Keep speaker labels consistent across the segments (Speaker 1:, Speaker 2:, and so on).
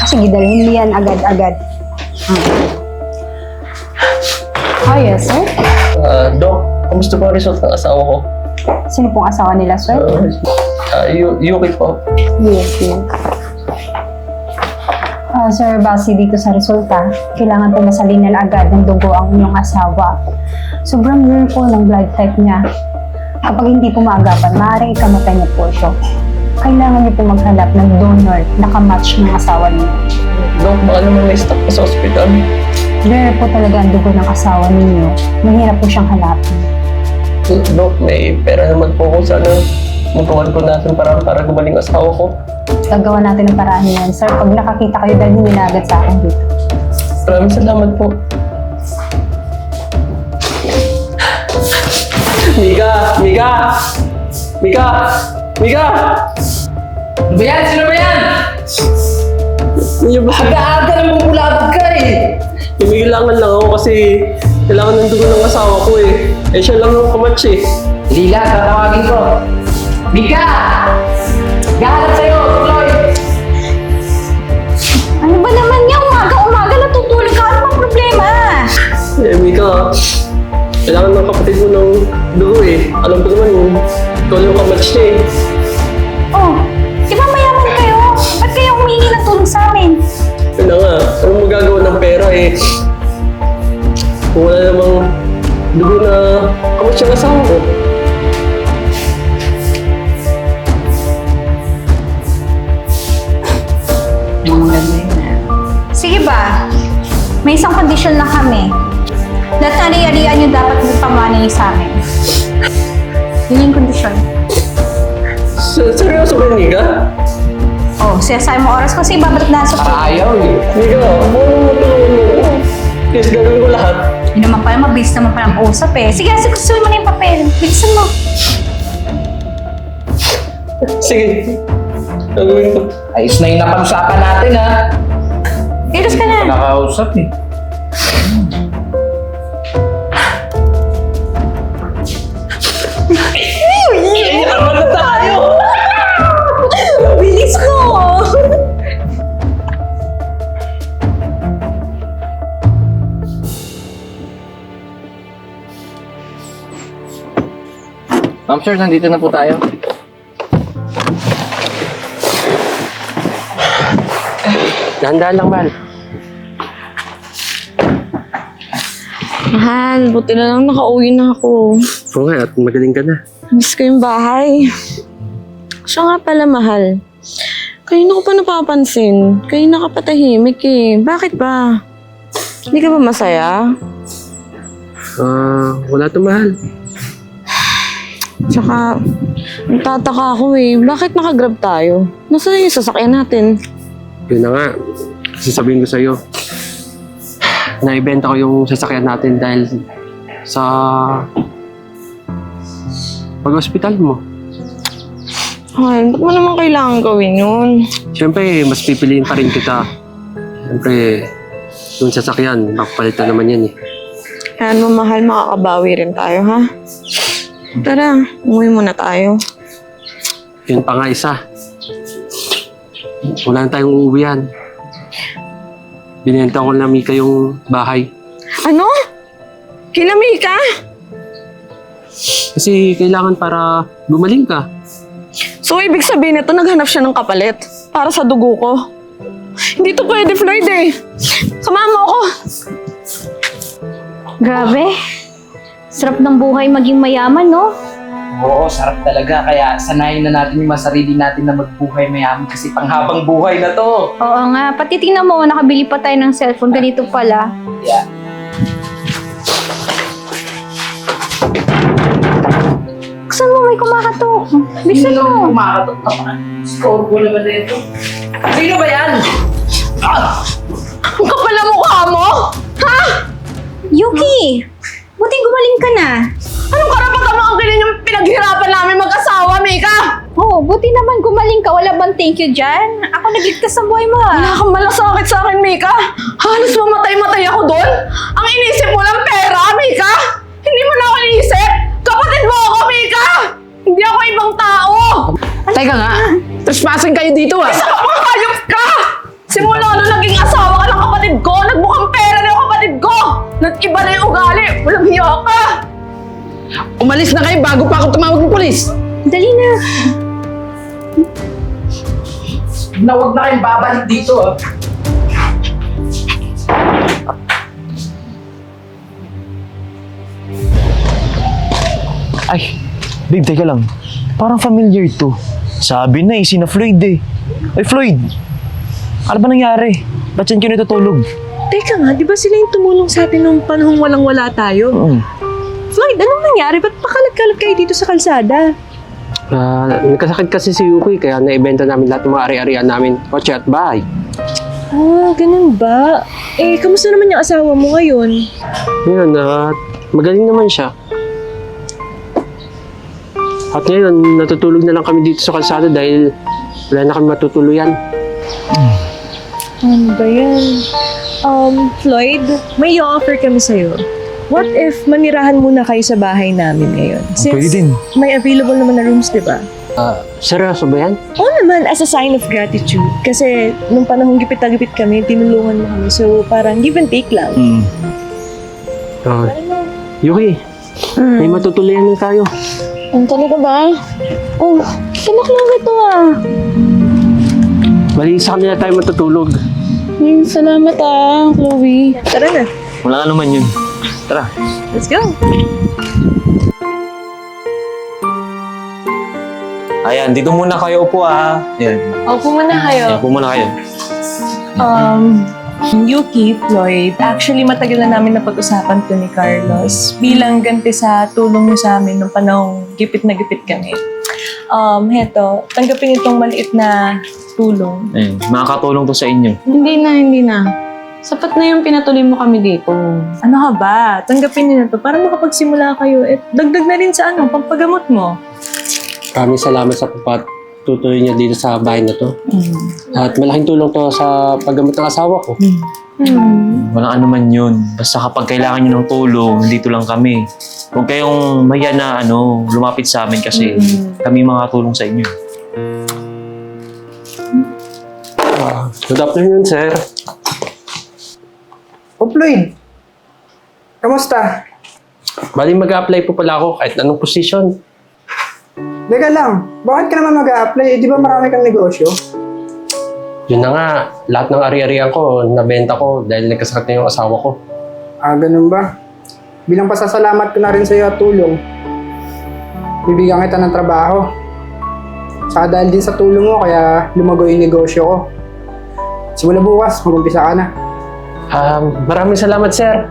Speaker 1: Sige, dalhin mo yan agad-agad. Yes, sir.
Speaker 2: Dok, kamusta po ang result ng asawa ko?
Speaker 1: Sino pong asawa nila, sir?
Speaker 2: Yuki po.
Speaker 1: Yes. Sir, base dito sa resulta, kailangan po masalin na agad ng dugo ang inyong asawa. Sobrang rare po ng blood type niya. Kapag hindi po maagapan, maaaring ikamatay niya po siya. Kailangan niyo po maghanap ng donor na kamatch ng asawa niyo.
Speaker 2: Dok, baka naman may stock pa sa ospital.
Speaker 1: Rare po talaga ang dugo ng asawa ninyo. Mahirap po siyang hanapin.
Speaker 2: Dok, may pera naman po ko. Sana magawan ko natin para gumaling asawa ko.
Speaker 1: Gagawa natin ng paraan yan. Sir, pag nakakita kayo, dalhin niyo na agad sa akin dito.
Speaker 2: Maraming salamat po. Mika!
Speaker 3: Ano ba yan? Sino ba yan?
Speaker 2: Niyo ba?
Speaker 3: Aga-aga nang bumulabog ka eh.
Speaker 2: Kailangan lang ako kasi kailangan ng dugo ng asawa ko eh. Eh siya lang yung kamatch eh.
Speaker 3: Lila, tatawagin ko. Mika! Gahanap sa'yo, tuloy!
Speaker 1: Ano ba naman niya? Umaga natutulog ka. Ano bang problema?
Speaker 2: Eh Mika, kailangan ng kapatid mo ng dugo eh. Alam ko naman ikaw yung kamatch niya eh.
Speaker 1: Oh, di ba mayaman kayo? Ba't kayo humingi ng tulong sa amin?
Speaker 2: Yun na nga, anong magagawa ng pera eh. Kung wala namang dugo na kamatch yung asawa ko.
Speaker 1: Sige ba? May isang kondisyon lang kami. Lahat na ari-arian yung dapat magpamana niyo sa amin. Yun yung kondisyon.
Speaker 2: Seryoso ba Mika?
Speaker 1: Oh, sinasabi mo oras kasi babalik na sa
Speaker 3: Ayaw eh.
Speaker 2: Mika, ano mo tulungan mo ako? Please, gagawin ko lahat.
Speaker 1: Yun naman pala, mabilis naman pala ang usap eh. Sige, gustuin mo na yung papel. Bilisan mo.
Speaker 2: Sige, gagawin ko.
Speaker 3: Ayos na yung napag-usapan natin ha.
Speaker 1: Ilos ka na.
Speaker 3: Nakausap eh.
Speaker 2: Yaman na tayo!
Speaker 1: Bilis mo!
Speaker 3: Ma'am sir, nandito na po tayo.
Speaker 2: Dahan-dahan lang, Mal.
Speaker 4: Mahal, buti na lang nakauwi na ako.
Speaker 2: Oo nga, at magaling ka na.
Speaker 4: Miss ko yung bahay. Siya nga pala, mahal. Kanina ko pa napapansin. Kanina ka patahimik eh. Bakit ba? Hindi ka ba masaya?
Speaker 2: Wala to, Mahal.
Speaker 4: Tsaka, nagtataka ako eh. Bakit nakagrab tayo? Nasaan yung sasakyan natin?
Speaker 2: Yun na nga. Kasi sabihin ko sa'yo, naibenta ko yung sasakyan natin dahil sa pag-hospital mo.
Speaker 4: Ay, ba't mo naman kailangan gawin yun?
Speaker 2: Siyempre, mas pipiliin pa rin kita. Siyempre, yung sasakyan, makapalitan naman yan eh.
Speaker 4: Kaya mo, mahal, makakabawi rin tayo, ha? Tara, umuwi muna tayo.
Speaker 2: Yun pa nga isa. Wala na tayong uuwihan. Binenta ko na Mika yung bahay.
Speaker 4: Ano? Kinami ka?
Speaker 2: Kasi kailangan para gumaling ka.
Speaker 4: So, ibig sabihin nito, naghanap siya ng kapalit para sa dugo ko. Hindi to pwede, Floyd eh. Samahan mo ako.
Speaker 1: Grabe. Sarap ng buhay maging mayaman, no?
Speaker 3: Oo, sarap talaga. Kaya sanayin na natin yung sarili natin na magbuhay mayaman kasi panghabang buhay na to.
Speaker 1: Oo nga. Pati tingnan mo, nakabili pa tayo ng cellphone. Ganito pala.
Speaker 3: Yeah.
Speaker 1: Saan mo may kumakatok? Bilisan mo.
Speaker 3: Kumakatot naman. Score ko naman na ito. Sino ba yan?
Speaker 4: Ang kapal ang mukha mo! Ha?
Speaker 1: Yuki! Buti gumaling ka na.
Speaker 4: Anong karapatan mo ang ganyan yung pinaghirapan namin mag-asawa, Mika?
Speaker 1: Oh, buti naman gumaling ka. Wala bang thank you dyan? Ako nagligtas ng buhay mo,
Speaker 4: Wala
Speaker 1: ah.
Speaker 4: kang malasakit sa akin, Mika. Halos mamatay-matay ako doon. Ang inisip mo lang pera, Mika. Hindi mo na ako inisip. Kapatid mo ako, Mika. Hindi ako ibang tao.
Speaker 3: Teka nga, trespassing kayo dito ah.
Speaker 4: Isa ka pang hayop ka. Simula nung
Speaker 5: Nag-iba na yung ugali! Walang hiya ka! Umalis na kayo bago pa ako tumawag ng polis!
Speaker 1: Dali na.
Speaker 3: Na huwag na kayong babalik dito, ah.
Speaker 6: Ay, babe, teka lang. Parang familiar to. Sabi na si na Floyd eh. Ay, Floyd! Ano ba nangyari? Ba't yan kayo natutulog?
Speaker 5: Teka nga, di ba sila yung tumulong sa atin nung panahong walang-wala tayo? Floyd, anong nangyari? Ba't pakalat-kalat kayo dito sa kalsada?
Speaker 2: Nagkasakit kasi si Yuki, kaya naibenta namin lahat ng mga ari-arian namin, kotse at bahay.
Speaker 5: Ah, ganun ba? Eh, kamusta naman yung asawa mo ngayon?
Speaker 2: Ngayon, magaling naman siya. At ngayon, natutulog na lang kami dito sa kalsada dahil wala na kami matutuluyan.
Speaker 5: Ano ba yan? Floyd, may i-offer kami sa'yo. What if manirahan muna kayo sa bahay namin ngayon?
Speaker 6: pwede din.
Speaker 5: May available naman na rooms, di ba?
Speaker 2: Seryoso ba yan?
Speaker 5: Oo naman, as a sign of gratitude. Kasi nung panahong gipit na gipit kami, tinulungan mo kami. So, parang give and take lang.
Speaker 2: Yuki, may matutuluyan na tayo.
Speaker 4: Ano talaga ba? Oh, kinak lang ito ah.
Speaker 2: Bali, sa kanila tayo matutulog.
Speaker 4: Salamat ah, Chloe.
Speaker 5: Tara na,
Speaker 6: Wala ka naman yun. Tara.
Speaker 5: let's go.
Speaker 6: Ayan, dito muna kayo upo ah. Ayan.
Speaker 5: Opo muna kayo.
Speaker 6: Ayan, upo muna kayo.
Speaker 5: Yuki, Floyd, actually matagal na namin napag-usapan to ni Carlos bilang ganti sa tulong niyo sa amin nung panahong gipit na gipit kami. Heto, tanggapin itong maliit na tulong.
Speaker 6: Ayan, makakatulong to sa inyo.
Speaker 4: Hindi na. Sapat na yung pinatuloy mo kami dito.
Speaker 5: Ano ka ba? Tanggapin niyo na to para makapagsimula kayo. At dagdag na rin sa pampagamot mo.
Speaker 2: Maraming salamat sa pagpatuloy niya dito sa bahay na to. At malaking tulong to sa paggamot ng asawa ko.
Speaker 6: Walang ano man yun. Basta kapag kailangan nyo ng tulong, dito lang kami. Huwag kayong maya na lumapit sa amin kasi kami makatulong sa inyo.
Speaker 2: Good afternoon, sir.
Speaker 7: O Floyd, kamusta?
Speaker 2: Bali, mag-a-apply po pala ako kahit anong position.
Speaker 7: Teka lang, bakit ka naman mag-a-apply? Eh, di ba marami kang negosyo?
Speaker 2: Yun na nga, lahat ng ari-arian ko, nabenta ko dahil nagkasakit na yung asawa ko.
Speaker 7: Ah, ganun ba? Bilang pasasalamat ko na rin sa iyo at tulong, bibigyan kita ng trabaho. Saka dahil din sa tulong mo, kaya lumago yung negosyo ko. Simula bukas, mag-umpisa ka na.
Speaker 2: Maraming salamat, sir.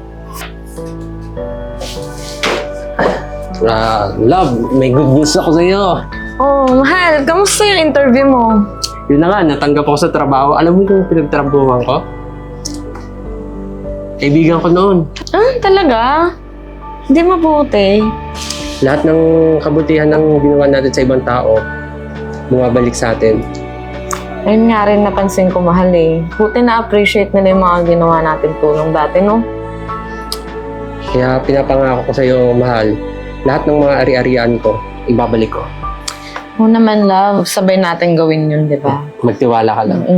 Speaker 2: Love, may good news ako sa iyo.
Speaker 4: Oh, mahal, kamusta yung interview mo?
Speaker 2: Yun na nga, natanggap ako sa trabaho. Alam mo yung pinagtrabuhan ko? Kaibigan ko noon.
Speaker 4: Ah, talaga? Hindi mabuti.
Speaker 2: Lahat ng kabutihan ng ginawa natin sa ibang tao, bumabalik sa atin.
Speaker 4: Ayun nga rin napansin ko, mahal eh. Buti na-appreciate nila yung mga ginawa natin tulong dati, no?
Speaker 2: Kaya pinapangako ko sa iyo, mahal, lahat ng mga ari-arian ko, ibabalik ko.
Speaker 4: Oo naman, love. Sabay natin gawin yun, di ba?
Speaker 2: Magtiwala ka lang.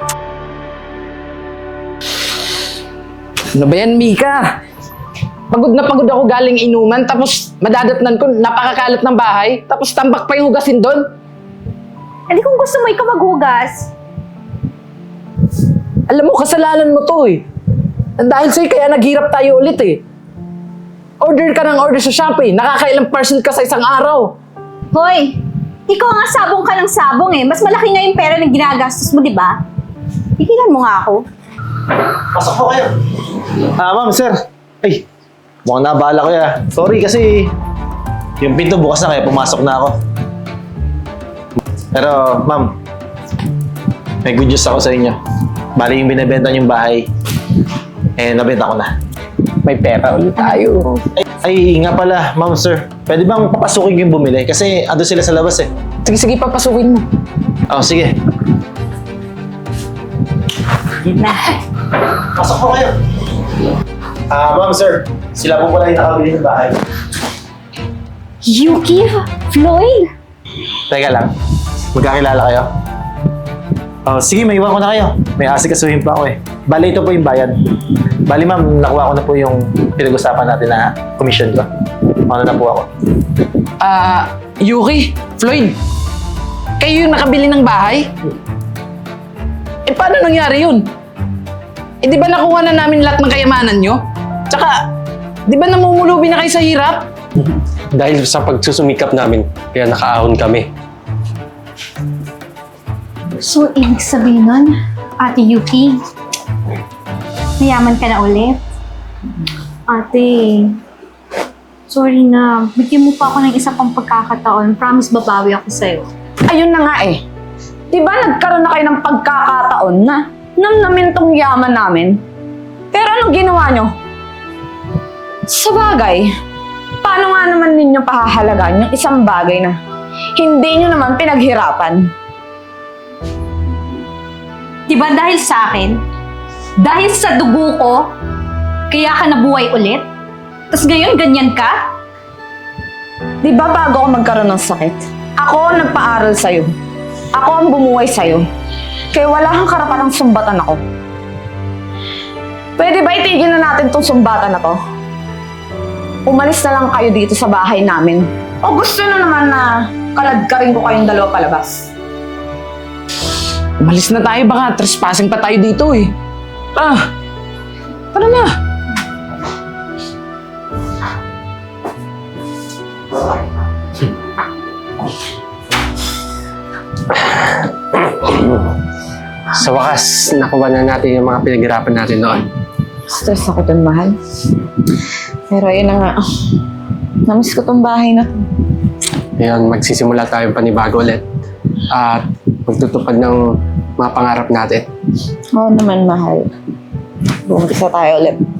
Speaker 5: Ano ba yan, Mika? Pagod na pagod ako galing inuman, tapos madadatnan ko, napakakalat ng bahay, tapos tambak pa yung hugasin doon.
Speaker 1: Eh di kung gusto mo ikaw maghugas.
Speaker 5: Alam mo, kasalanan mo to eh. Dahil sa'yo, kaya naghirap tayo ulit eh. Order ka ng order sa Shopee, nakakailang parcel ka sa isang araw.
Speaker 1: Hoy, ikaw nga sabong ka ng sabong eh. Mas malaki nga yung pera na ginagastos mo, di ba? Tigilan mo nga ako.
Speaker 6: Pasok po kayo. Ma'am, sir. Ay, mukhang nabala ko ya. Sorry kasi yung pinto bukas na kaya pumasok na ako. Pero, ma'am, may good news ako sa inyo. Bali yung binibenta niyong bahay, nabenta ko na.
Speaker 5: May pera ulit tayo.
Speaker 6: Ay, nga pala, ma'am, sir. Pwede bang papasukin ko yung bumili? Kasi ando sila sa labas eh.
Speaker 5: Sige, papasukin mo.
Speaker 6: Oh, sige.
Speaker 5: Yun na.
Speaker 6: Pasok po kayo. Ma'am, sir. Sila po pala yung nakabili ng bahay.
Speaker 1: Yuki? Floyd?
Speaker 6: Teka lang. Magkakilala kayo?
Speaker 8: Oh, sige, may iwan ko na kayo. May asikasuhin pa ako eh. Bali, ito po yung bayad. Bali, ma'am, nakuha ko na po yung pinag-usapan natin na commission ko. Ano na po ako.
Speaker 3: Yuki, Floyd, kayo yung nakabili ng bahay? Eh, paano nangyari yun? Eh, di ba nakuha na namin lahat ng kayamanan nyo? Tsaka, di ba namumulubi na kayo sa hirap?
Speaker 2: Dahil sa pagsusumikap namin, kaya nakaahon kami.
Speaker 1: So, ibig sabihin nun, Ate Yuki, mayaman ka na ulit? Ate, sorry na. Bigyan mo pa ako ng isa pang pagkakataon. Promise, babawi ako sa'yo.
Speaker 4: Ayun na nga eh. Di ba nagkaroon na kayo ng pagkakataon na namnamin tong yaman namin? Pero anong ginawa nyo? Sa bagay, paano nga naman ninyo pahahalagaan yung isang bagay na hindi nyo naman pinaghirapan?
Speaker 1: Diba dahil sa akin? Dahil sa dugo ko? Kaya ka nabuhay ulit? Tapos ngayon, ganyan ka?
Speaker 4: Di ba bago ako magkaroon ng sakit, ako ang nagpaaral sa'yo. Ako ang bumuhay sa'yo. Kaya wala kang karapatang sumbatan ako. Pwede ba itigil na natin tong sumbatan na to? Umalis na lang kayo dito sa bahay namin. O gusto nyo naman na kaladkarin ko kayong dalawa palabas?
Speaker 3: Umalis na tayo, baka trespassing pa tayo dito eh. Tara na.
Speaker 2: Sa wakas, nakuha na natin yung mga pinaghirapan natin noon.
Speaker 4: Stress ako dun, mahal. Pero ayun na nga. Namiss ko tong bahay na to.
Speaker 2: Ngayon, magsisimula tayong panibago ulit. At magtutupad ng mga pangarap natin.
Speaker 4: Oo naman, mahal. Bumagisa tayo ulit.